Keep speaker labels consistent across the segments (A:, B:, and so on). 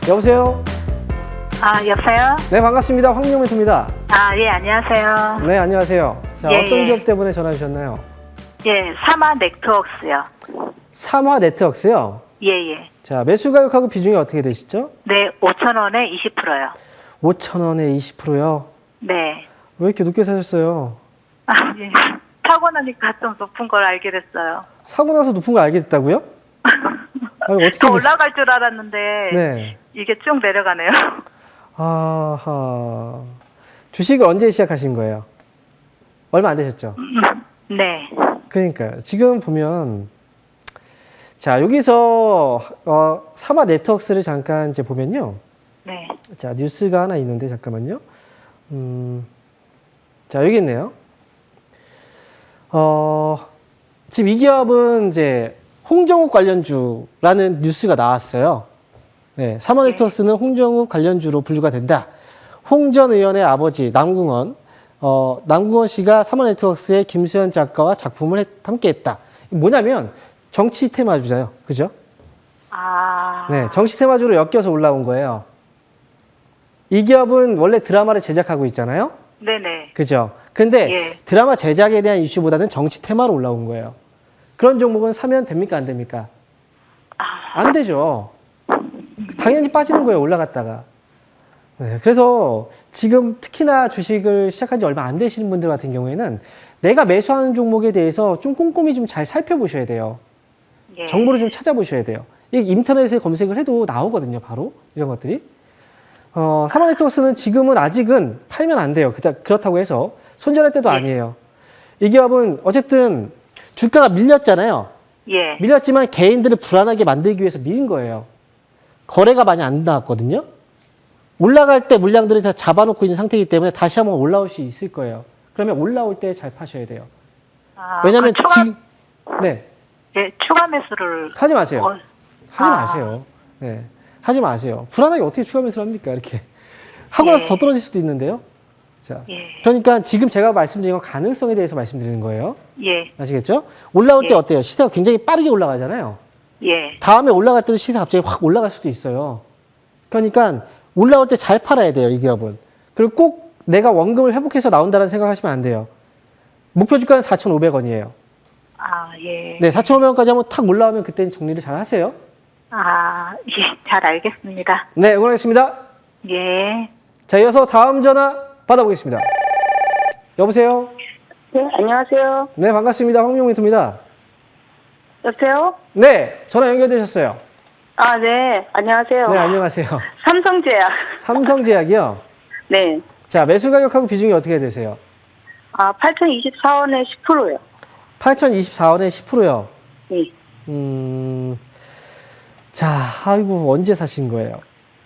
A: 여보세요?
B: 여보세요?
A: 네, 반갑습니다. 황영민입니다.
B: 예, 안녕하세요.
A: 네, 안녕하세요. 자,
B: 예,
A: 어떤
B: 예.
A: 기업 때문에 전화 주셨나요?
B: 예, 삼화 네트워크스요.
A: 삼화 네트워크스요?
B: 예, 예.
A: 자, 매수 가격하고 비중이 어떻게 되시죠?
B: 네, 5,000원에 20%요.
A: 5,000원에 20%요?
B: 네.
A: 왜 이렇게 높게 사셨어요?
B: 예. 사고 나니까 좀 높은 걸 알게 됐어요.
A: 사고 나서 높은 거 알게 됐다고요? 아니, 어떻게
B: 더 올라갈 줄 알았는데,
A: 네.
B: 이게 쭉 내려가네요.
A: 아하. 주식을 언제 시작하신 거예요? 얼마 안 되셨죠?
B: 네.
A: 그러니까요. 지금 보면, 자, 여기서, 삼화 네트워크스를 잠깐 이제 보면요.
B: 네.
A: 자, 뉴스가 하나 있는데, 잠깐만요. 자, 여기 있네요. 지금 이 기업은 이제 홍정욱 관련주라는 뉴스가 나왔어요. 네, 삼화 네트워크스는 홍정욱 관련주로 분류가 된다. 홍 전 의원의 아버지 남궁원, 남궁원 씨가 삼화 네트워크스의 김수현 작가와 작품을 함께 했다. 뭐냐면 정치 테마주잖아요. 그죠? 네, 정치 테마주로 엮여서 올라온 거예요. 이 기업은 원래 드라마를 제작하고 있잖아요.
B: 네네.
A: 그죠? 근데
B: 예.
A: 드라마 제작에 대한 이슈보다는 정치 테마로 올라온 거예요. 그런 종목은 사면 됩니까? 안 됩니까? 안 되죠. 당연히 빠지는 거예요. 올라갔다가. 네, 그래서 지금 특히나 주식을 시작한 지 얼마 안 되시는 분들 같은 경우에는 내가 매수하는 종목에 대해서 좀 꼼꼼히 좀 잘 살펴보셔야 돼요.
B: 예.
A: 정보를 좀 찾아보셔야 돼요. 이 인터넷에 검색을 해도 나오거든요. 바로 이런 것들이. 삼화 네트워크스는 지금은 아직은 팔면 안 돼요. 그렇다고 해서 손절할 때도
B: 예.
A: 아니에요. 이 기업은 어쨌든 주가가 밀렸잖아요.
B: 예.
A: 밀렸지만 개인들을 불안하게 만들기 위해서 밀린 거예요. 거래가 많이 안 나왔거든요. 올라갈 때 물량들을 다 잡아놓고 있는 상태이기 때문에 다시 한번 올라올 수 있을 거예요. 그러면 올라올 때 잘 파셔야 돼요. 왜냐하면 지금 네,
B: 예, 추가 매수를
A: 하지 마세요. 하지
B: 아.
A: 마세요. 네, 하지 마세요. 불안하게 어떻게 추가 매수를 합니까? 이렇게 하고 나서
B: 예.
A: 더 떨어질 수도 있는데요. 자,
B: 예.
A: 그러니까 지금 제가 말씀드린 건 가능성에 대해서 말씀드리는 거예요.
B: 예.
A: 아시겠죠? 올라올 때
B: 예.
A: 어때요? 시세가 굉장히 빠르게 올라가잖아요.
B: 예.
A: 다음에 올라갈 때도 시세가 갑자기 확 올라갈 수도 있어요. 그러니까 올라올 때 잘 팔아야 돼요, 이 기업은. 그리고 꼭 내가 원금을 회복해서 나온다는 생각하시면 안 돼요. 목표 주가는 4,500원이에요.
B: 예.
A: 네, 4,500원까지 한번 탁 올라오면 그때는 정리를 잘 하세요.
B: 예, 잘 알겠습니다.
A: 네, 응원하겠습니다.
B: 예.
A: 자, 이어서 다음 전화 받아보겠습니다. 여보세요?
C: 네, 안녕하세요.
A: 네, 반갑습니다. 황명민입니다.
C: 여보세요?
A: 네, 전화 연결되셨어요.
C: 네, 안녕하세요.
A: 네, 안녕하세요.
C: 삼성제약.
A: 삼성제약이요?
C: 네.
A: 자, 매수 가격하고 비중이 어떻게 되세요?
C: 8,024원에 10%요.
A: 8,024원에 10%요.
C: 네.
A: 자, 아이고, 언제 사신 거예요?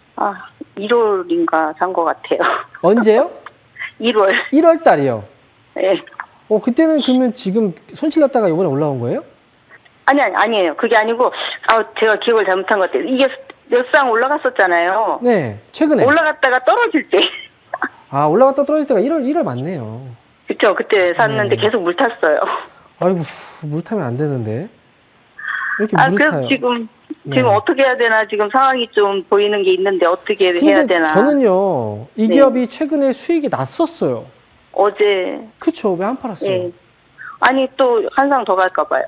C: 1월인가 산 것 같아요.
A: 언제요?
C: 1월.
A: 1월 달이요.
C: 네.
A: 그때는 그러면 지금 손실 났다가 이번에 올라온 거예요?
C: 아니에요. 그게 아니고, 제가 기억을 잘못한 것 같아요. 이게 몇 상 올라갔었잖아요.
A: 네, 최근에.
C: 올라갔다가 떨어질 때.
A: 올라갔다 떨어질 때가 1월 맞네요.
C: 그쵸. 그때 샀는데
A: 네.
C: 계속 물 탔어요.
A: 아이고, 물 타면 안 되는데. 왜 이렇게 물을
C: 그래서
A: 타요?
C: 지금
A: 네.
C: 어떻게 해야 되나, 지금 상황이 좀 보이는 게 있는데 어떻게 해야
A: 근데
C: 되나.
A: 저는요, 이
C: 네.
A: 기업이 최근에 수익이 났었어요.
C: 어제.
A: 그쵸? 왜 안 팔았어요?
C: 예. 아니, 또 한 상 더 갈까봐요.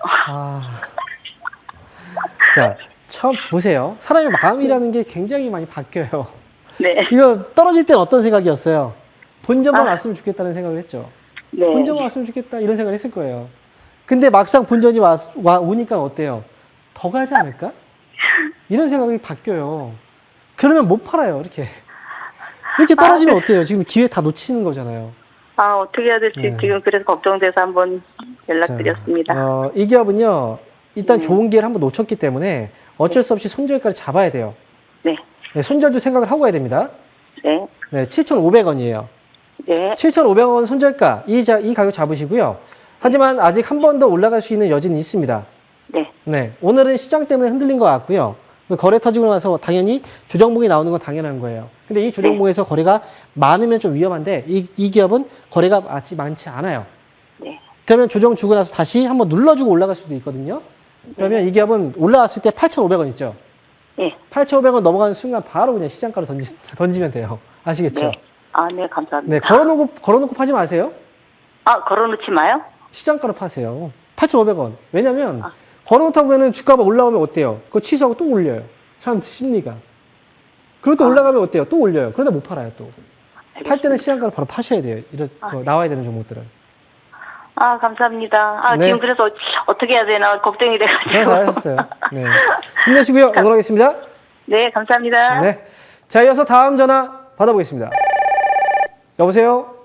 A: 자, 처음 보세요. 사람의 마음이라는 게 굉장히 많이 바뀌어요.
C: 네.
A: 이거 떨어질 땐 어떤 생각이었어요? 본전만 왔으면 좋겠다는 생각을 했죠.
C: 네.
A: 본전 왔으면 좋겠다 이런 생각을 했을 거예요. 근데 막상 본전이 오니까 어때요? 더 가지 않을까? 이런 생각이 바뀌어요. 그러면 못 팔아요. 이렇게 떨어지면 어때요? 지금 기회 다 놓치는 거잖아요.
C: 어떻게 해야 될지
A: 네.
C: 지금 그래서 걱정돼서 한번 연락드렸습니다.
A: 자, 이 기업은요. 일단 좋은 기회를 한번 놓쳤기 때문에 어쩔 수 없이 손절가를 잡아야 돼요.
C: 네.
A: 네, 손절도 생각을 하고 가야 됩니다.
C: 네.
A: 네, 7,500원이에요.
C: 네.
A: 7,500원 손절가 이 가격 잡으시고요. 하지만 아직 한 번 더 올라갈 수 있는 여지는 있습니다.
C: 네.
A: 네, 오늘은 시장 때문에 흔들린 것 같고요. 거래 터지고 나서 당연히 조정봉이 나오는 건 당연한 거예요. 근데 이 조정봉에서 거래가 많으면 좀 위험한데 이 기업은 거래가 많지 않아요.
C: 네.
A: 그러면 조정 주고 나서 다시 한번 눌러주고 올라갈 수도 있거든요. 그러면 이 기업은 올라왔을 때 8,500원 있죠.
C: 예.
A: 8,500원 넘어가는 순간 바로 그냥 시장가로 던지면 돼요. 아시겠죠?
C: 네. 아, 네, 감사합니다.
A: 네, 걸어놓고 파지 마세요.
C: 아, 걸어놓지 마요?
A: 시장가로 파세요. 8,500원. 왜냐면,
C: 아.
A: 걸어놓다 보면은 주가가 올라오면 어때요? 그거 취소하고 또 올려요. 사람들 심리가. 그리고 또 올라가면 어때요? 또 올려요. 그러다 못 팔아요, 또. 팔 때는 시장가로 바로 파셔야 돼요. 나와야 되는 종목들은.
C: 아, 감사합니다. 아,
A: 네.
C: 지금 그래서 어떻게 해야 되나 걱정이 돼가지고.
A: 잘 잘하셨어요. 네. 힘내시고요. 응원하겠습니다.
C: 네, 감사합니다.
A: 네. 자, 이어서 다음 전화 받아보겠습니다. 여보세요?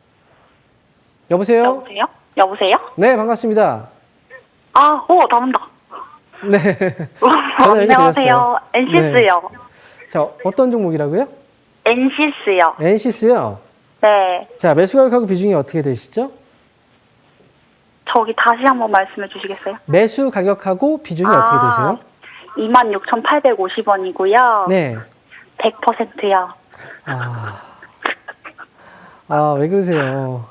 A: 여보세요?
B: 여보세요? 여보세요?
A: 네, 반갑습니다.
B: 아, 나온다.
A: 네. 전화 연결
B: 안녕하세요.
A: 드렸어요.
B: 엔시스요.
A: 자, 어떤 종목이라고요?
B: 엔시스요.
A: 엔시스요.
B: 네.
A: 자, 매수 가격하고 비중이 어떻게 되시죠?
B: 저기 다시 한번 말씀해 주시겠어요?
A: 매수 가격하고 비중이 어떻게 되세요?
B: 26,850원이고요.
A: 네.
B: 100%요.
A: 왜 그러세요?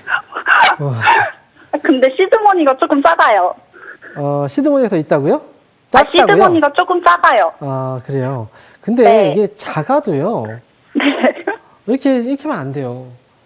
B: 근데 시드머니가 조금 작아요.
A: 시드머니가 더 있다고요?
B: 아,
A: 작다고요?
B: 시드머니가 조금 작아요.
A: 그래요. 근데
B: 네.
A: 이게 작아도요.
B: 네.
A: 이렇게 하면 안 돼요.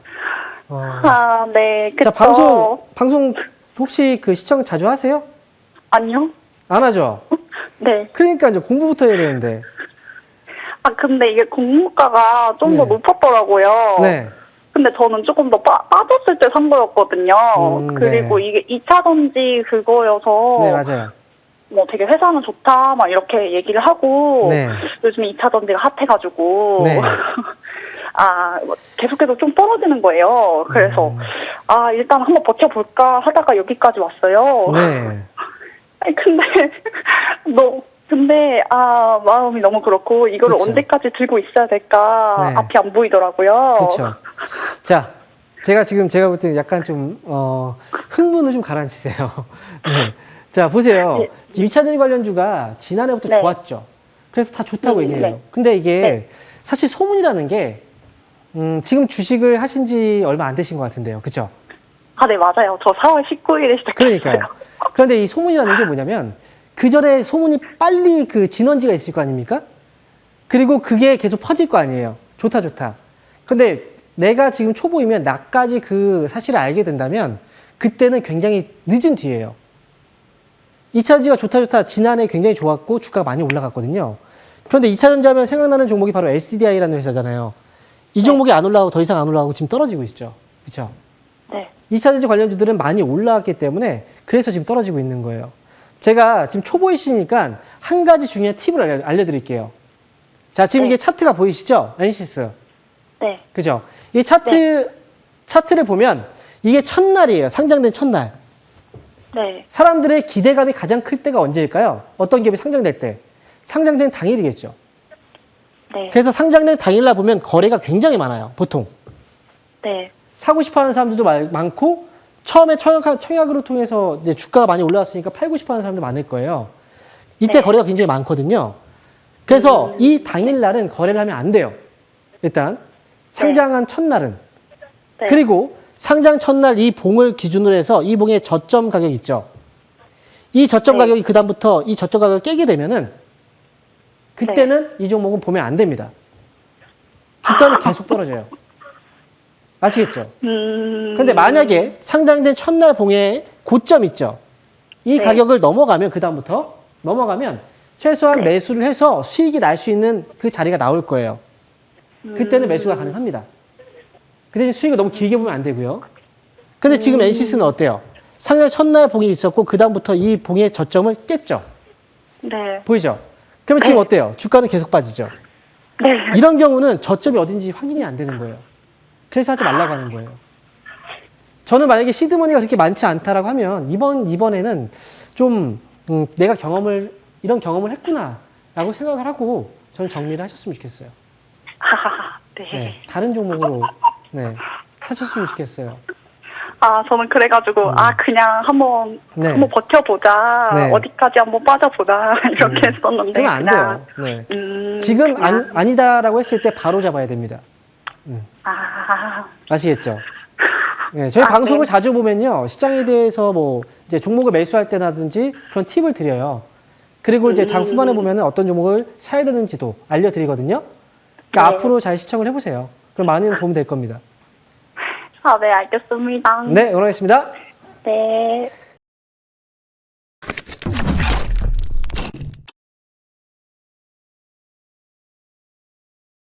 B: 네. 그쵸.
A: 자, 방송 혹시 그 시청 자주 하세요?
B: 아니요.
A: 안 하죠?
B: 네.
A: 그러니까 이제 공부부터 해야 되는데.
B: 근데 이게 공모가가 좀 더
A: 네.
B: 높았더라고요.
A: 네.
B: 근데 저는 조금 더 빠졌을 때 산 거였거든요. 그리고
A: 네.
B: 이게 2차전지 그거여서
A: 네, 맞아요.
B: 뭐 되게 회사는 좋다 막 이렇게 얘기를 하고
A: 네.
B: 요즘 2차전지가 핫해가지고
A: 네.
B: 뭐 계속해서 좀 떨어지는 거예요. 그래서 일단 한번 버텨볼까 하다가 여기까지 왔어요.
A: 네.
B: 아니, 근데 마음이 너무 그렇고 이거를
A: 그쵸.
B: 언제까지 들고 있어야 될까
A: 네.
B: 앞이 안 보이더라고요.
A: 그렇죠. 자, 제가 볼 때 약간 좀 흥분을 좀 가라앉히세요. 네. 자, 보세요.
B: 네.
A: 지금 2차전지 관련주가 지난해부터
B: 네.
A: 좋았죠. 그래서 다 좋다고 얘기해요.
B: 네.
A: 근데 이게
B: 네.
A: 사실 소문이라는 게 지금 주식을 하신 지 얼마 안 되신 것 같은데요. 그렇죠?
B: 네, 맞아요. 저 4월 19일에 시작했어요.
A: 그러니까요. 그런데 이 소문이라는 게 뭐냐면 그 전에 소문이 빨리 그 진원지가 있을 거 아닙니까? 그리고 그게 계속 퍼질 거 아니에요. 좋다. 근데 내가 지금 초보이면 나까지 그 사실을 알게 된다면 그때는 굉장히 늦은 뒤에요. 2차전지가 좋다. 지난해 굉장히 좋았고 주가가 많이 올라갔거든요. 그런데 2차전지 하면 생각나는 종목이 바로 SDI라는 회사잖아요. 이 종목이 안 올라가고 더 이상 안 올라가고 지금 떨어지고 있죠. 그렇죠?
B: 네.
A: 2차전지 관련주들은 많이 올라왔기 때문에 그래서 지금 떨어지고 있는 거예요. 제가 지금 초보이시니까 한 가지 중요한 팁을 알려드릴게요. 자, 지금
B: 네.
A: 이게 차트가 보이시죠? 엔시스.
B: 네.
A: 그죠? 이 차트를 보면 이게 첫날이에요. 상장된 첫날.
B: 네.
A: 사람들의 기대감이 가장 클 때가 언제일까요? 어떤 기업이 상장될 때? 상장된 당일이겠죠.
B: 네.
A: 그래서 상장된 당일날 보면 거래가 굉장히 많아요. 보통.
B: 네.
A: 사고 싶어 하는 사람들도 많고, 처음에 청약으로 통해서 이제 주가가 많이 올라왔으니까 팔고 싶어 하는 사람도 많을 거예요. 이때
B: 네.
A: 거래가 굉장히 많거든요. 그래서 이 당일날은 거래를 하면 안 돼요. 일단, 상장한 첫날은.
B: 네.
A: 그리고 상장 첫날 이 봉을 기준으로 해서 이 봉의 저점 가격 있죠. 이 저점
B: 네.
A: 가격이 그다음부터 이 저점 가격을 깨게 되면은 그때는 이 종목은 보면 안 됩니다. 주가는 계속 떨어져요. 아시겠죠? 그런데 만약에 상장된 첫날 봉의 고점 있죠. 이
B: 네.
A: 가격을 넘어가면 그다음부터 넘어가면 최소한
B: 네.
A: 매수를 해서 수익이 날 수 있는 그 자리가 나올 거예요. 그때는 매수가 가능합니다. 그 대신 수익을 너무 길게 보면 안 되고요. 근데 지금 엔시스는 어때요? 상장 첫날 봉이 있었고 그다음부터 이 봉의 저점을 깼죠.
B: 네.
A: 보이죠? 그러면 지금
B: 네.
A: 어때요? 주가는 계속 빠지죠.
B: 네.
A: 이런 경우는 저점이 어딘지 확인이 안 되는 거예요. 그래서 하지 말라고 하는 거예요. 저는 만약에 시드머니가 그렇게 많지 않다라고 하면 이번에는 좀 내가 이런 경험을 했구나라고 생각을 하고 저는 정리를 하셨으면 좋겠어요.
B: 네.
A: 네, 다른 종목으로 사셨으면 좋겠어요.
B: 저는 그래가지고 그냥 한번
A: 네.
B: 한번 버텨보자.
A: 네.
B: 어디까지 한번 빠져보자 이렇게 했었는데
A: 그러면 안
B: 그냥
A: 돼요. 네. 지금 아니다라고 했을 때 바로 잡아야 됩니다. 아시겠죠? 네, 저희 방송을
B: 네.
A: 자주 보면요. 시장에 대해서 뭐 이제 종목을 매수할 때라든지 그런 팁을 드려요. 그리고 이제 장 후반에 보면은 어떤 종목을 사야 되는지도 알려드리거든요. 그러니까
B: 네.
A: 앞으로 잘 시청을 해보세요. 그럼 많은 도움 될 겁니다.
B: 아, 네, 알겠습니다.
A: 네, 응원하겠습니다.
B: 네.